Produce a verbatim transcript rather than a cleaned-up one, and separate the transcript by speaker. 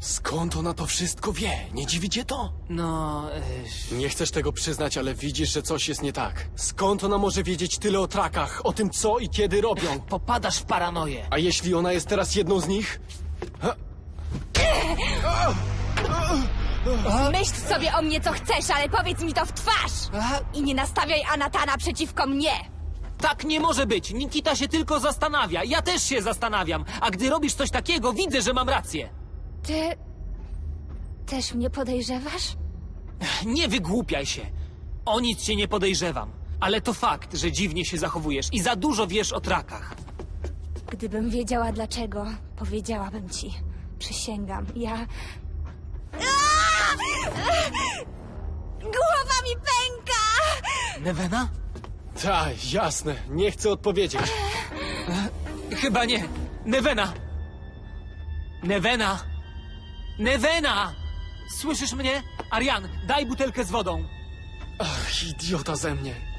Speaker 1: Skąd ona to wszystko wie? Nie dziwi cię to?
Speaker 2: No... Y...
Speaker 1: Nie chcesz tego przyznać, ale widzisz, że coś jest nie tak. Skąd ona może wiedzieć tyle o trakach, o tym co i kiedy robią?
Speaker 2: Popadasz w paranoję.
Speaker 1: A jeśli ona jest teraz jedną z nich?
Speaker 3: Myśl sobie o mnie co chcesz, ale powiedz mi to w twarz! I nie nastawiaj Anatana przeciwko mnie!
Speaker 2: Tak nie może być. Nikita się tylko zastanawia. Ja też się zastanawiam. A gdy robisz coś takiego, widzę, że mam rację.
Speaker 3: Ty... też mnie podejrzewasz?
Speaker 2: Nie wygłupiaj się. O nic cię nie podejrzewam. Ale to fakt, że dziwnie się zachowujesz i za dużo wiesz o trakach.
Speaker 3: Gdybym wiedziała dlaczego, powiedziałabym ci. Przysięgam, ja... Aaa! Głowa mi pęka!
Speaker 2: Nevena?
Speaker 1: Tak, jasne. Nie chcę odpowiedzieć.
Speaker 2: Chyba nie. Nevena! Nevena! Nevena! Słyszysz mnie? Arian, daj butelkę z wodą.
Speaker 1: Ach, idiota ze mnie.